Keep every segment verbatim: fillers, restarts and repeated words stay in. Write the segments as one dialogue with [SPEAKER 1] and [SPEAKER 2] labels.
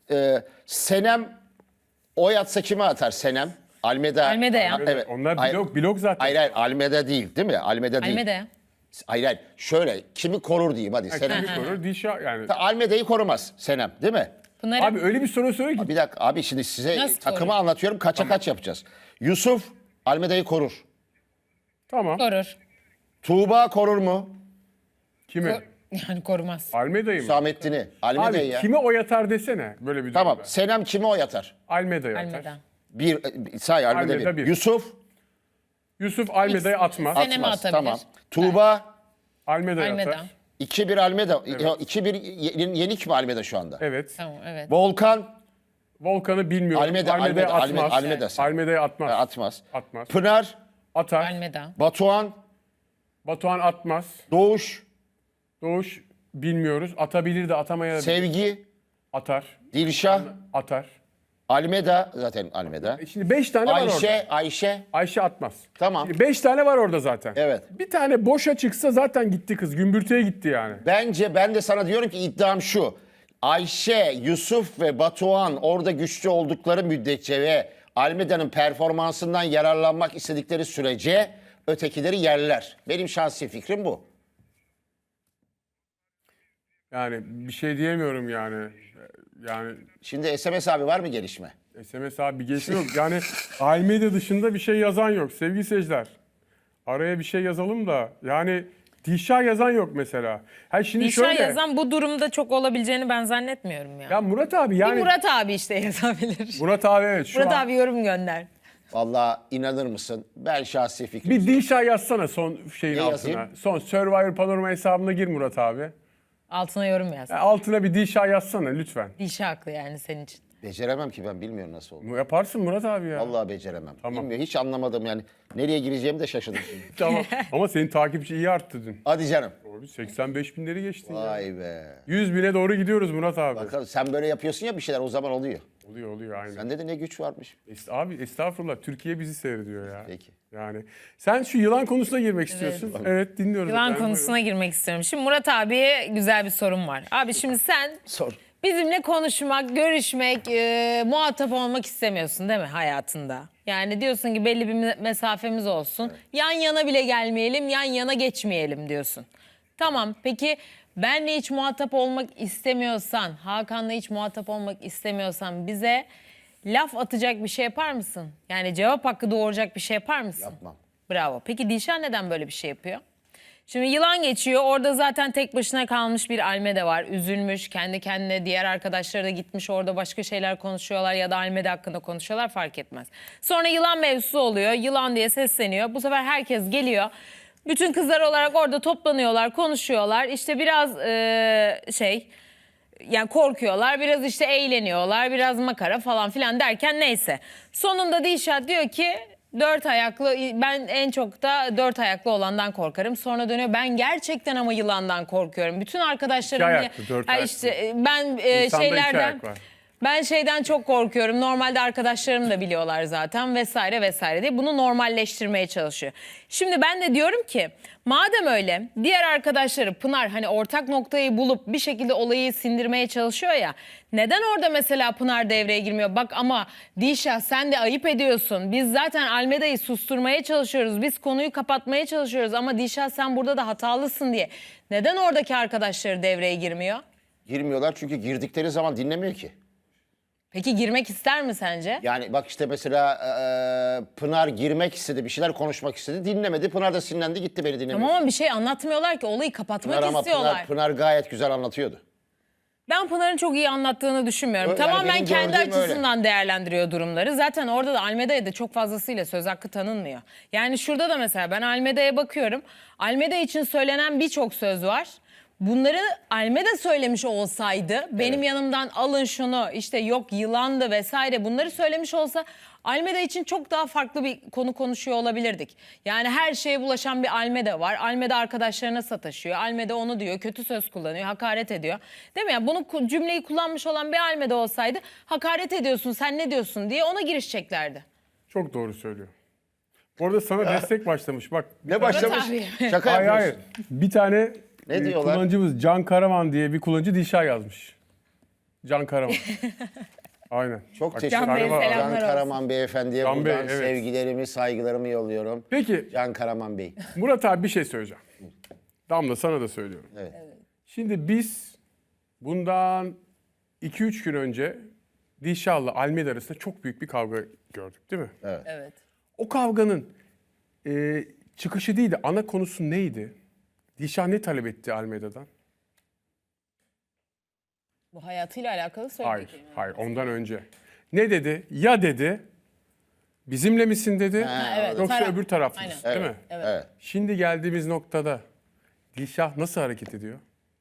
[SPEAKER 1] Ee, Senem oy atsa kime atar Senem? Almeda.
[SPEAKER 2] Almeda'ya.
[SPEAKER 1] Ha, evet.
[SPEAKER 3] Onlar
[SPEAKER 1] Hayır.
[SPEAKER 3] blok, blok zaten.
[SPEAKER 1] Hayır hayır Almeda değil değil mi? Almeda değil.
[SPEAKER 2] Almeda'ya.
[SPEAKER 1] Hayır hayır. Şöyle kimi korur diyeyim hadi Senem.
[SPEAKER 3] Kimi korur? Dişa yani.
[SPEAKER 1] Almeda'yı korumaz Senem değil mi?
[SPEAKER 2] Pınar'ı
[SPEAKER 3] Abi öyle bir soru söyle ki.
[SPEAKER 1] Bir dakika abi şimdi size
[SPEAKER 2] Nasıl
[SPEAKER 1] takımı
[SPEAKER 2] korur?
[SPEAKER 1] anlatıyorum kaça kaç yapacağız. Yusuf Almeda'yı korur.
[SPEAKER 3] Tamam.
[SPEAKER 2] korur.
[SPEAKER 1] Tuğba korur mu?
[SPEAKER 3] Kimi?
[SPEAKER 2] Ko- Yani korumaz.
[SPEAKER 3] Almeda'yı mı?
[SPEAKER 1] Hüsamettin'i. Almeda'yı
[SPEAKER 3] Abi
[SPEAKER 1] ya.
[SPEAKER 3] kime oy atar desene. Böyle bir
[SPEAKER 1] Tamam.
[SPEAKER 3] durumda.
[SPEAKER 1] Senem kime oy atar?
[SPEAKER 3] Almeda'yı atar.
[SPEAKER 2] Almeda.
[SPEAKER 1] Bir, e, say Almeda,
[SPEAKER 3] Almeda
[SPEAKER 1] bir.
[SPEAKER 3] bir.
[SPEAKER 1] Yusuf
[SPEAKER 3] Yusuf Almeda'yı atmaz.
[SPEAKER 2] Sen- Senem'i
[SPEAKER 1] atmaz.
[SPEAKER 2] atabilir.
[SPEAKER 1] Tamam. Tuğba
[SPEAKER 3] Almeda'yı
[SPEAKER 2] Almeda.
[SPEAKER 3] atar.
[SPEAKER 1] iki bir Almeda. iki bir ye- yenik mi Almeda şu anda?
[SPEAKER 3] Evet.
[SPEAKER 2] Tamam evet.
[SPEAKER 1] Volkan
[SPEAKER 3] Volkan'ı bilmiyorum.
[SPEAKER 1] Almeda,
[SPEAKER 3] Almeda'yı
[SPEAKER 1] Almeda,
[SPEAKER 3] atmaz.
[SPEAKER 1] Almeda, Almeda sen.
[SPEAKER 3] Almeda'yı atmaz.
[SPEAKER 1] e, atmaz.
[SPEAKER 3] Atmaz.
[SPEAKER 1] Pınar,
[SPEAKER 3] Atar.
[SPEAKER 2] Almeda.
[SPEAKER 1] Batuhan,
[SPEAKER 3] Batuhan atmaz.
[SPEAKER 1] Doğuş,
[SPEAKER 3] Doğuş bilmiyoruz. Atabilir de atamaya da
[SPEAKER 1] Sevgi,
[SPEAKER 3] atar.
[SPEAKER 1] Dilşah,
[SPEAKER 3] Atar.
[SPEAKER 1] Almeda zaten Almeda.
[SPEAKER 3] E Şimdi beş tane var orada.
[SPEAKER 1] Ayşe, Ayşe.
[SPEAKER 3] Ayşe atmaz.
[SPEAKER 1] Tamam.
[SPEAKER 3] Şimdi beş tane var orada zaten.
[SPEAKER 1] Evet.
[SPEAKER 3] Bir tane boşa çıksa zaten gitti kız. Gümbürtüye gitti yani.
[SPEAKER 1] Bence ben de sana diyorum ki iddiam şu. Ayşe, Yusuf ve Batuhan orada güçlü oldukları müddetçe ve Almeda'nın performansından yararlanmak istedikleri sürece ötekileri yerler. Benim şahsi fikrim bu.
[SPEAKER 3] Yani bir şey diyemiyorum yani. Yani
[SPEAKER 1] Şimdi S M S abi var mı gelişme?
[SPEAKER 3] S M S abi bir geçiyor yok. Yani Almeda dışında bir şey yazan yok sevgili seyirciler. Araya bir şey yazalım da yani Dişa yazan yok mesela. Ha şimdi
[SPEAKER 2] Dişa
[SPEAKER 3] şöyle.
[SPEAKER 2] yazan bu durumda çok olabileceğini ben zannetmiyorum ya.
[SPEAKER 3] Ya Murat abi yani.
[SPEAKER 2] Bir Murat abi işte yazabilir.
[SPEAKER 3] Murat abi evet şu
[SPEAKER 2] Murat
[SPEAKER 3] an.
[SPEAKER 2] abi yorum gönder.
[SPEAKER 1] Vallahi inanır mısın? Ben şahsi fikrim.
[SPEAKER 3] Bir Dişa yazsana son şeyin
[SPEAKER 1] Ne
[SPEAKER 3] altına.
[SPEAKER 1] yazayım?
[SPEAKER 3] Son Survivor Panorama hesabına gir Murat abi.
[SPEAKER 2] Altına yorum yaz.
[SPEAKER 3] Ya altına bir Dişa yazsana lütfen.
[SPEAKER 2] Dişa haklı yani senin için.
[SPEAKER 1] Beceremem ki ben bilmiyorum nasıl olur.
[SPEAKER 3] Yaparsın Murat abi ya.
[SPEAKER 1] Vallahi beceremem.
[SPEAKER 3] Tamam.
[SPEAKER 1] Bilmiyorum, hiç anlamadım yani. Nereye gireceğimi de şaşırdım şimdi.
[SPEAKER 3] Tamam. Ama senin takipçi iyi arttı dün.
[SPEAKER 1] Hadi canım.
[SPEAKER 3] Abi seksen beş binleri geçtin ya.
[SPEAKER 1] Vay be.
[SPEAKER 3] yüz bine doğru gidiyoruz Murat abi.
[SPEAKER 1] Bakalım sen böyle yapıyorsun ya bir şeyler o zaman oluyor.
[SPEAKER 3] Oluyor oluyor aynen.
[SPEAKER 1] Sende de ne güç varmış.
[SPEAKER 3] Est- Abi estağfurullah Türkiye bizi seyrediyor ya.
[SPEAKER 1] Peki.
[SPEAKER 3] Yani sen şu yılan konusuna girmek istiyorsun. Evet dinliyoruz.
[SPEAKER 2] Yılan
[SPEAKER 3] efendim,
[SPEAKER 2] konusuna girmek istiyorum. Şimdi Murat abiye güzel bir sorum var. Abi şimdi sen
[SPEAKER 1] Sor.
[SPEAKER 2] bizimle konuşmak, görüşmek, e, muhatap olmak istemiyorsun değil mi hayatında? Yani diyorsun ki belli bir me- mesafemiz olsun. Yan yana bile gelmeyelim, yan yana geçmeyelim diyorsun. Tamam peki benle hiç muhatap olmak istemiyorsan, Hakan'la hiç muhatap olmak istemiyorsan bize laf atacak bir şey yapar mısın? Yani cevap hakkı doğuracak bir şey yapar mısın?
[SPEAKER 1] Yapmam.
[SPEAKER 2] Bravo. Peki Dilşah neden böyle bir şey yapıyor? Şimdi yılan geçiyor. Orada zaten tek başına kalmış bir Almeda var. Üzülmüş. Kendi kendine diğer arkadaşları da gitmiş. Orada başka şeyler konuşuyorlar ya da Almeda hakkında konuşuyorlar fark etmez. Sonra yılan mevzusu oluyor. Yılan diye sesleniyor. Bu sefer herkes geliyor. Bütün kızlar olarak orada toplanıyorlar, konuşuyorlar. İşte biraz eee, şey... Yani korkuyorlar, biraz işte eğleniyorlar, biraz makara falan filan derken neyse. Sonunda Dilşat diyor ki dört ayaklı, ben en çok da dört ayaklı olandan korkarım. Sonra dönüyor ben gerçekten ama yılandan korkuyorum. Bütün arkadaşlarım...
[SPEAKER 3] İki ayaklı, dört
[SPEAKER 2] Ha
[SPEAKER 3] ayaklı.
[SPEAKER 2] işte ben e,
[SPEAKER 3] İnsanda iki
[SPEAKER 2] şeylerden...
[SPEAKER 3] ayak var.
[SPEAKER 2] Ben şeyden çok korkuyorum. Normalde arkadaşlarım da biliyorlar zaten vesaire vesaire diye bunu normalleştirmeye çalışıyor. Şimdi ben de diyorum ki madem öyle diğer arkadaşları Pınar hani ortak noktayı bulup bir şekilde olayı sindirmeye çalışıyor ya. Neden orada mesela Pınar devreye girmiyor? Bak ama Dilşah sen de ayıp ediyorsun. Biz zaten Almeda'yı susturmaya çalışıyoruz. Biz konuyu kapatmaya çalışıyoruz ama Dilşah sen burada da hatalısın diye. Neden oradaki arkadaşları devreye girmiyor?
[SPEAKER 1] Girmiyorlar çünkü girdikleri zaman dinlemiyor ki.
[SPEAKER 2] Peki girmek ister mi sence?
[SPEAKER 1] Yani bak işte mesela eee, Pınar girmek istedi, bir şeyler konuşmak istedi, dinlemedi. Pınar da sinirlendi gitti beni dinlemiyor.
[SPEAKER 2] Tamam ama bir şey anlatmıyorlar ki olayı kapatmak
[SPEAKER 1] Pınar ama
[SPEAKER 2] istiyorlar.
[SPEAKER 1] Pınar, Pınar gayet güzel anlatıyordu.
[SPEAKER 2] Ben Pınar'ın çok iyi anlattığını düşünmüyorum.
[SPEAKER 1] Yani
[SPEAKER 2] Tamamen
[SPEAKER 1] benim
[SPEAKER 2] kendi
[SPEAKER 1] gördüğüm
[SPEAKER 2] açısından değerlendiriyor durumları. Zaten orada da Almeda'ya da çok fazlasıyla söz hakkı tanınmıyor. Yani şurada da mesela ben Almeda'ya bakıyorum. Almeda için söylenen birçok söz var. Bunları Almeda söylemiş olsaydı benim yanımdan alın şunu işte yok yılandı vesaire bunları söylemiş olsa Almeda için çok daha farklı bir konu konuşuyor olabilirdik. Yani her şeye bulaşan bir Almeda var. Almeda arkadaşlarına sataşıyor. Almeda onu diyor, kötü söz kullanıyor, hakaret ediyor. Değil mi? Yani bunu ku- cümleyi kullanmış olan bir Almeda olsaydı hakaret ediyorsun, sen ne diyorsun diye ona girişeceklerdi.
[SPEAKER 3] Çok doğru söylüyor. Bu arada sana destek başlamış. Bak
[SPEAKER 1] Ne başlamış?
[SPEAKER 2] abi.
[SPEAKER 1] Şaka
[SPEAKER 3] hayır hayır.
[SPEAKER 1] yapıyorsun.
[SPEAKER 3] Bir tane
[SPEAKER 1] Ne
[SPEAKER 3] e,
[SPEAKER 1] diyorlar?
[SPEAKER 3] kullanıcımız Can Karaman diye bir kullanıcı Dişa yazmış. Can Karaman. Aynen.
[SPEAKER 1] Çok
[SPEAKER 3] Bak,
[SPEAKER 1] teşekkür
[SPEAKER 2] Can Bey'e
[SPEAKER 1] ederim.
[SPEAKER 2] selamlar
[SPEAKER 1] Can
[SPEAKER 2] olsun.
[SPEAKER 1] Karaman beyefendiye
[SPEAKER 3] Can
[SPEAKER 1] buradan
[SPEAKER 3] Bey, evet.
[SPEAKER 1] sevgilerimi, saygılarımı yolluyorum.
[SPEAKER 3] Peki
[SPEAKER 1] Can Karaman Bey.
[SPEAKER 3] Murat abi bir şey söyleyeceğim. Damla sana da söylüyorum.
[SPEAKER 1] Evet.
[SPEAKER 3] Şimdi biz bundan iki üç gün önce Dilşah'la Almeda arasında çok büyük bir kavga gördük değil mi?
[SPEAKER 2] Evet.
[SPEAKER 3] O kavganın e, çıkışı değil de ana konusu neydi? Dilşah ne talep etti Almeda'dan?
[SPEAKER 2] Bu hayatıyla alakalı söylediği
[SPEAKER 3] Hayır,
[SPEAKER 2] kelime.
[SPEAKER 3] hayır ondan önce. Ne dedi? Ya dedi, bizimle misin dedi,
[SPEAKER 1] Ha,
[SPEAKER 2] evet.
[SPEAKER 3] yoksa
[SPEAKER 2] Taraf.
[SPEAKER 3] öbür taraf mısın,
[SPEAKER 2] Aynen.
[SPEAKER 3] değil mi?
[SPEAKER 2] Evet.
[SPEAKER 1] Evet.
[SPEAKER 3] Şimdi geldiğimiz noktada Dilşah nasıl hareket ediyor?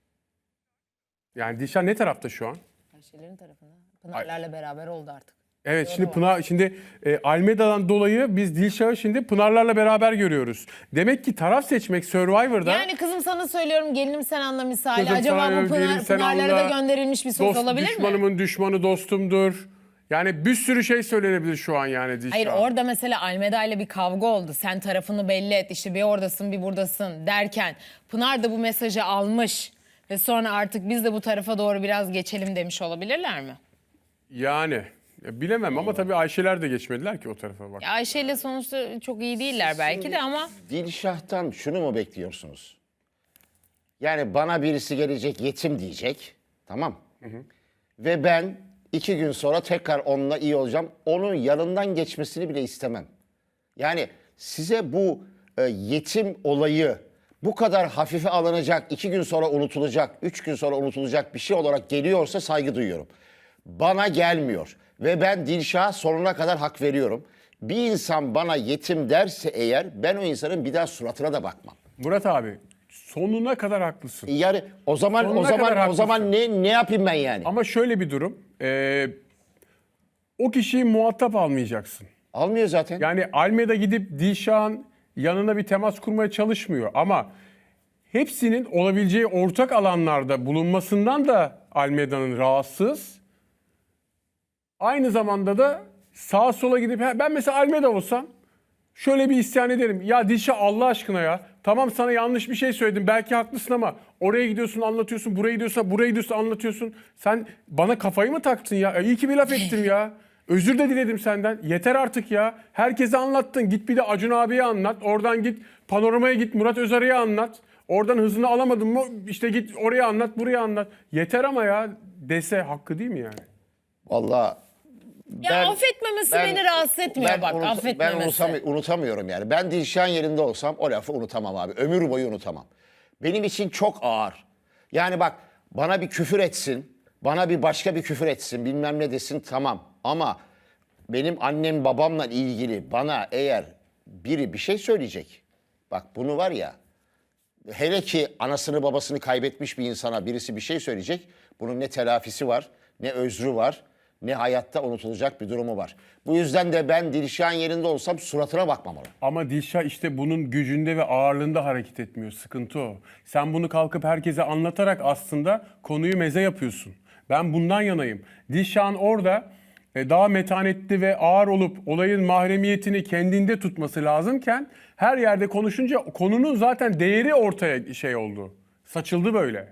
[SPEAKER 3] Yani Dilşah ne tarafta şu an?
[SPEAKER 2] Ayşe'lerin tarafında. Pınarlarla beraber oldu artık.
[SPEAKER 3] Evet
[SPEAKER 2] Doğru
[SPEAKER 3] şimdi
[SPEAKER 2] var.
[SPEAKER 3] Pınar şimdi e, Almeda'dan dolayı biz Dilşah'ı şimdi Pınarlarla beraber görüyoruz. Demek ki taraf seçmek Survivor'da
[SPEAKER 2] Yani kızım sana söylüyorum gelinim sen anla misali.
[SPEAKER 3] Kızım
[SPEAKER 2] Acaba
[SPEAKER 3] sana
[SPEAKER 2] bu
[SPEAKER 3] gelinim
[SPEAKER 2] Pınar,
[SPEAKER 3] sen
[SPEAKER 2] Pınarlara
[SPEAKER 3] anla.
[SPEAKER 2] da gönderilmiş bir söz
[SPEAKER 3] dost
[SPEAKER 2] olabilir mi?
[SPEAKER 3] düşmanımın düşmanı dostumdur. Yani bir sürü şey söylenebilir şu an yani Dilşah.
[SPEAKER 2] Hayır orada mesela Almeda ile bir kavga oldu. Sen tarafını belli et işte bir oradasın bir buradasın derken Pınar da bu mesajı almış ve sonra artık biz de bu tarafa doğru biraz geçelim demiş olabilirler mi?
[SPEAKER 3] Yani ya bilemem ama tabii Ayşeler de geçmediler ki o tarafa bak.
[SPEAKER 2] Ya Ayşe ile sonuçta çok iyi değiller belki de ama
[SPEAKER 1] Dilşah'tan şunu mu bekliyorsunuz? Yani bana birisi gelecek yetim diyecek. Tamam. Ve ben iki gün sonra tekrar onunla iyi olacağım. Onun yanından geçmesini bile istemem. Yani size bu e, yetim olayı bu kadar hafife alınacak, iki gün sonra unutulacak, üç gün sonra unutulacak bir şey olarak geliyorsa saygı duyuyorum. Bana gelmiyor ve ben Dilşah'a sonuna kadar hak veriyorum. Bir insan bana yetim derse eğer ben o insanın bir daha suratına da bakmam.
[SPEAKER 3] Murat abi sonuna kadar haklısın.
[SPEAKER 1] Yani o zaman
[SPEAKER 3] Sonuna
[SPEAKER 1] o
[SPEAKER 3] kadar
[SPEAKER 1] zaman o
[SPEAKER 3] haklısın.
[SPEAKER 1] zaman ne ne yapayım ben yani?
[SPEAKER 3] Ama şöyle bir durum. e, o kişiyi muhatap almayacaksın.
[SPEAKER 1] Almıyor zaten.
[SPEAKER 3] Yani Almeda gidip Dilşah'ın yanına bir temas kurmaya çalışmıyor ama hepsinin olabileceği ortak alanlarda bulunmasından da Almeda'nın rahatsız. Aynı zamanda da sağa sola gidip ben mesela Almeda olsam şöyle bir isyan ederim. Ya Dilşah Allah aşkına ya. Tamam sana yanlış bir şey söyledim. Belki haklısın ama oraya gidiyorsun anlatıyorsun. Buraya gidiyorsun, buraya gidiyorsun anlatıyorsun. Sen bana kafayı mı taktın ya? E, iyi ki bir laf ettim ya. Özür de diledim senden. Yeter artık ya. Herkese anlattın. Git bir de Acun abiye anlat. Oradan git Panorama'ya git Murat Özarı'ya anlat. Oradan hızını alamadın mı işte git oraya anlat buraya anlat. Yeter ama ya dese hakkı değil mi yani?
[SPEAKER 1] Vallahi
[SPEAKER 2] ya affetmemesi beni rahatsız etmiyor
[SPEAKER 1] ben
[SPEAKER 2] bak
[SPEAKER 1] unut-
[SPEAKER 2] affetmemesi.
[SPEAKER 1] Ben unutam- unutamıyorum yani. Ben Dilşah'ın yerinde olsam o lafı unutamam abi. Ömür boyu unutamam. Benim için çok ağır. Yani bak bana bir küfür etsin, bana bir başka bir küfür etsin, bilmem ne desin tamam. Ama benim annem babamla ilgili bana eğer biri bir şey söyleyecek. Bak bunu var ya, hele ki anasını babasını kaybetmiş bir insana birisi bir şey söyleyecek. Bunun ne telafisi var, ne özrü var, ne hayatta unutulacak bir durumu var. Bu yüzden de ben Dilşah'ın yerinde olsam suratına bakmam ona.
[SPEAKER 3] Ama Dilşah işte bunun gücünde ve ağırlığında hareket etmiyor. Sıkıntı o. Sen bunu kalkıp herkese anlatarak aslında konuyu meze yapıyorsun. Ben bundan yanayım. Dilşah'ın orada e, daha metanetli ve ağır olup olayın mahremiyetini kendinde tutması lazımken her yerde konuşunca konunun zaten değeri ortaya şey oldu. Saçıldı böyle.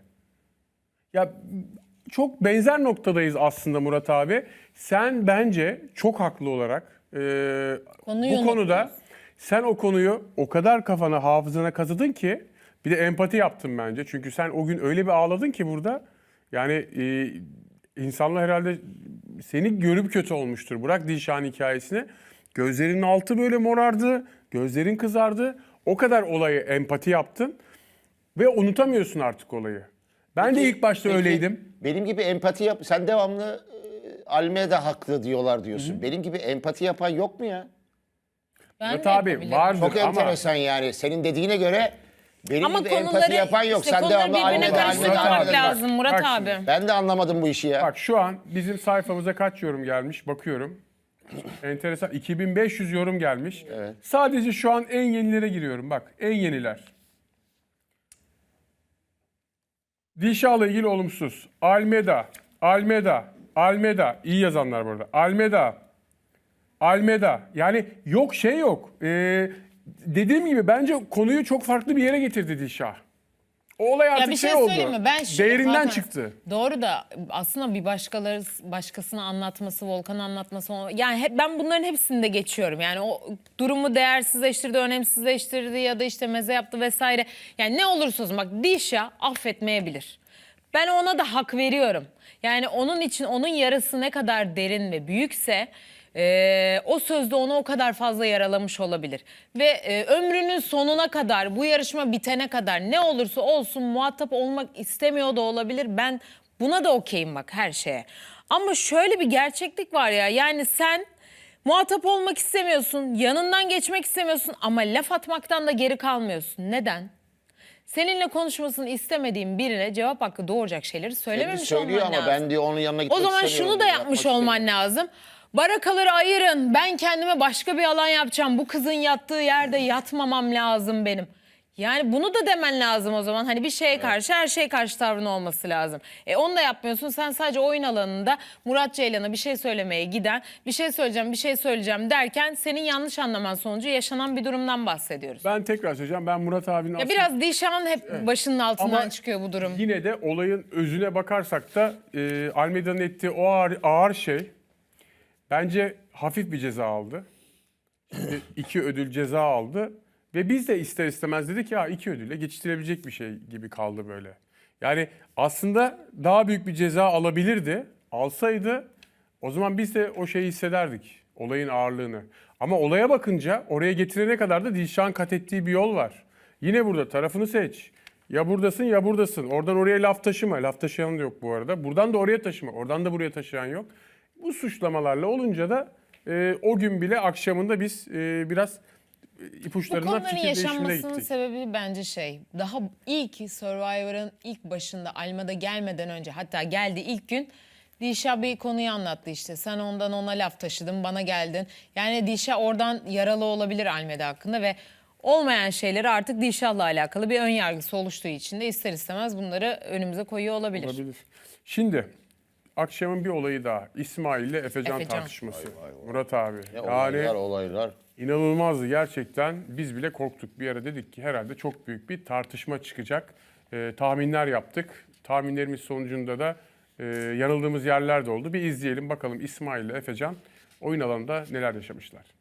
[SPEAKER 3] Ya çok benzer noktadayız aslında Murat abi. Sen bence çok haklı olarak e,
[SPEAKER 2] Konuyu
[SPEAKER 3] bu konuda
[SPEAKER 2] unutmuyorsun.
[SPEAKER 3] sen o konuyu o kadar kafana hafızana kazıdın ki bir de empati yaptın bence. Çünkü sen o gün öyle bir ağladın ki burada yani e, insanlar herhalde seni görüp kötü olmuştur. Bırak Dilşah'ın hikayesini. Gözlerinin altı böyle morardı, gözlerin kızardı. O kadar olayı empati yaptın ve unutamıyorsun artık olayı. Ben de ilk başta
[SPEAKER 1] Peki,
[SPEAKER 3] öyleydim.
[SPEAKER 1] Benim gibi empati yap. Sen devamlı e, Almeda haklı diyorlar diyorsun. Benim gibi empati yapan yok mu ya?
[SPEAKER 2] Ben
[SPEAKER 3] Murat
[SPEAKER 2] de
[SPEAKER 3] abi
[SPEAKER 2] yapabilirim.
[SPEAKER 3] vardır
[SPEAKER 1] Çok
[SPEAKER 3] ama
[SPEAKER 1] enteresan yani. Senin dediğine göre benim
[SPEAKER 2] Ama
[SPEAKER 1] gibi
[SPEAKER 2] konuları,
[SPEAKER 1] empati yapan yok.
[SPEAKER 2] işte
[SPEAKER 1] Sen
[SPEAKER 2] konuları
[SPEAKER 1] devamlı
[SPEAKER 2] birbirine
[SPEAKER 1] Almeda, Almeda,
[SPEAKER 2] karıştırmamak
[SPEAKER 3] Almeda.
[SPEAKER 1] Almeda.
[SPEAKER 2] lazım Murat
[SPEAKER 3] Bak
[SPEAKER 2] abi.
[SPEAKER 3] şimdi.
[SPEAKER 1] Ben de anlamadım bu işi ya.
[SPEAKER 3] bak şu an bizim sayfamıza kaç yorum gelmiş bakıyorum. Enteresan iki bin beş yüz yorum gelmiş. Sadece şu an en yenilere giriyorum bak en yeniler. Dilşah'la ilgili olumsuz. Almeda, Almeda, Almeda. İyi yazanlar burada. Almeda, Almeda. Yani yok şey yok. Ee, dediğim gibi bence konuyu çok farklı bir yere getirdi Dilşah. O olay artık
[SPEAKER 2] Ya bir şey,
[SPEAKER 3] şey oldu.
[SPEAKER 2] söyleyeyim mi? Ben şu-
[SPEAKER 3] Değerinden
[SPEAKER 2] Hakan,
[SPEAKER 3] çıktı.
[SPEAKER 2] Doğru da aslında bir başkaları başkasına anlatması, Volkan'a anlatması, yani hep ben bunların hepsini de geçiyorum. Yani o durumu değersizleştirdi, önemsizleştirdi ya da işte meze yaptı vesaire. Yani ne olursa olsun bak, Dilşah affetmeyebilir. Ben ona da hak veriyorum. Yani onun için onun yarası ne kadar derin ve büyükse Ee, o sözde onu o kadar fazla yaralamış olabilir. Ve e, ömrünün sonuna kadar, bu yarışma bitene kadar ne olursa olsun muhatap olmak istemiyor da olabilir. Ben buna da okeyim bak, her şeye. Ama şöyle bir gerçeklik var ya, yani sen muhatap olmak istemiyorsun, yanından geçmek istemiyorsun ama laf atmaktan da geri kalmıyorsun. Neden? Seninle konuşmasını istemediğin birine cevap hakkı doğuracak şeyleri
[SPEAKER 1] Kendi
[SPEAKER 2] söylememiş
[SPEAKER 1] söylüyor
[SPEAKER 2] olman
[SPEAKER 1] ama
[SPEAKER 2] lazım.
[SPEAKER 1] ben diyor onun yanına
[SPEAKER 2] O
[SPEAKER 1] gitmek
[SPEAKER 2] zaman
[SPEAKER 1] istemiyorum
[SPEAKER 2] şunu da
[SPEAKER 1] diyor,
[SPEAKER 2] yapmış
[SPEAKER 1] yapmak
[SPEAKER 2] olman
[SPEAKER 1] istemiyorum.
[SPEAKER 2] lazım. Barakaları ayırın. Ben kendime başka bir alan yapacağım. Bu kızın yattığı yerde yatmamam lazım benim. Yani bunu da demen lazım o zaman. Hani bir şeye karşı, her şeye karşı tavrın olması lazım. E onu da yapmıyorsun. Sen sadece oyun alanında Murat Ceylan'a bir şey söylemeye giden, bir şey söyleyeceğim, bir şey söyleyeceğim derken senin yanlış anlaman sonucu yaşanan bir durumdan bahsediyoruz.
[SPEAKER 3] Ben tekrar söyleyeceğim. Ben Murat abinin
[SPEAKER 2] Ya
[SPEAKER 3] aslında...
[SPEAKER 2] biraz Dilşah'ın hep başının altından
[SPEAKER 3] Ama
[SPEAKER 2] çıkıyor bu durum.
[SPEAKER 3] Yine de olayın özüne bakarsak da e, Almeida'nın ettiği o ağır, ağır şey bence hafif bir ceza aldı. Şimdi iki ödül ceza aldı ve biz de ister istemez dedik ya iki ödülle geçiştirebilecek bir şey gibi kaldı böyle. Yani aslında daha büyük bir ceza alabilirdi. Alsaydı o zaman biz de o şeyi hissederdik. Olayın ağırlığını. Ama olaya bakınca oraya getirene kadar da Dilşah'ın kat ettiği bir yol var. Yine burada tarafını seç. Ya buradasın ya buradasın. Oradan oraya laf taşıma. Laf taşıyan da yok bu arada. Buradan da oraya taşıma. Oradan da buraya taşıyan yok. Bu suçlamalarla olunca da e, o gün bile akşamında biz e, biraz e,
[SPEAKER 2] Bu
[SPEAKER 3] ipuçlarından
[SPEAKER 2] konuların
[SPEAKER 3] fikir değişimine
[SPEAKER 2] yaşanmasının
[SPEAKER 3] gittik.
[SPEAKER 2] sebebi bence şey, daha ilk Survivor'ın ilk başında Alma'da gelmeden önce, hatta geldi ilk gün Dilşah bir konuyu anlattı işte. Sen ondan ona laf taşıdın, bana geldin. Yani Dilşah oradan yaralı olabilir Almeda hakkında ve olmayan şeyleri artık Dilşah'la alakalı bir ön yargısı oluştuğu için de ister istemez bunları önümüze koyuyor olabilir.
[SPEAKER 3] Olabilir. Şimdi akşamın bir olayı daha. İsmail ile Efecan,
[SPEAKER 2] Efecan.
[SPEAKER 3] tartışması. Murat abi.
[SPEAKER 1] Ne
[SPEAKER 3] yani
[SPEAKER 1] olaylar olaylar.
[SPEAKER 3] inanılmazdı gerçekten. Biz bile korktuk. Bir ara dedik ki herhalde çok büyük bir tartışma çıkacak. Ee, tahminler yaptık. Tahminlerimiz sonucunda da e, yanıldığımız yerler de oldu. Bir izleyelim bakalım İsmail ile Efecan oyun alanında neler yaşamışlar.